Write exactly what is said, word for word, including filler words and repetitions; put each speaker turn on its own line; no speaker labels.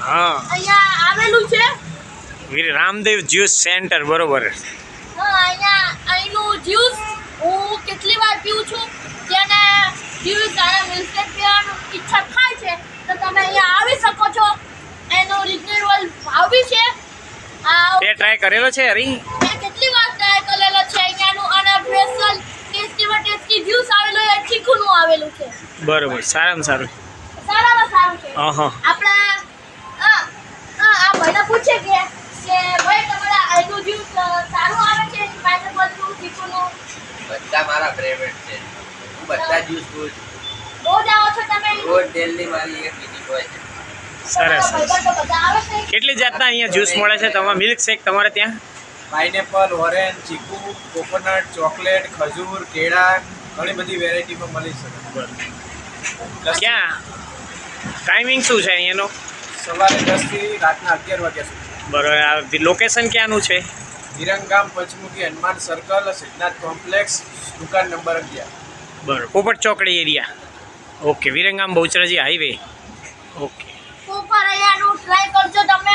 હા
અહીંયા આવેલું છે
વીર રામદેવ જ્યુસ સેન્ટર બરોબર.
હા અહીંયા અહીંનું જ્યુસ હું કેટલી વાર પીઉં છું. જેને જ્યુસ અને મિલ્કશેક પીવાની ઈચ્છા થાય છે તો તમે અહીંયા આવી શકો છો. એનો રિઝનેબલ ભાવ બી છે. આ
તે ટ્રાય કરેલો છે હરી?
મેં કેટલી વાર ટ્રાય કરેલો છે અહીંયાનું. અને સ્પેશિયલ ટેસ્ટીમાં ટેસ્ટી જ્યુસ આવેલું છે, ચીકુનું આવેલું છે.
બરોબર, સારામાં સારું.
સારામાં સારું છે.
હા
આપણા આ આ ભાઈને પૂછે કે કે ભાઈ તમારા આઈનું જ્યુસ સારું આવે છે પાઇનેપલનું, ચીકુનું?
બધા મારા ફેવરેટ છે. હું બધા જ્યુસ પીઉં છું.
રોજ આવો છો તમે?
રોજ ડેલી મારી એક વિઝિટ હોય છે.
સરસ.
ભાઈબંધો બધા આવે છે?
કેટલી જાતના અહીંયા જ્યુસ મળે છે તમારે? મિલ્ક શેક તમારે ત્યાં?
Pineapple, orange, chikoo, coconut, chocolate, ખજૂર, કેળા, ઘણી બધી વેરાયટીમાં મળી શકે.
ક્યાં ટાઈમિંગ શું છે અહીંયાનો?
સવારે દસથી રાતના અગિયાર વાગ્યા સુધી.
બરોબર. આ લોકેશન ક્યાંનું છે?
વિરંગામ પંચમુખી હનુમાન સર્કલ, સિદ્ધનાથ કોમ્પ્લેક્સ, દુકાન નંબર અગિયાર.
બરોબર, Popat Chokdi area. Okay, Viramgam Bahucharaji highway. Okay.
ઉપર અહીંયાનું ટ્રાય કરજો તમે.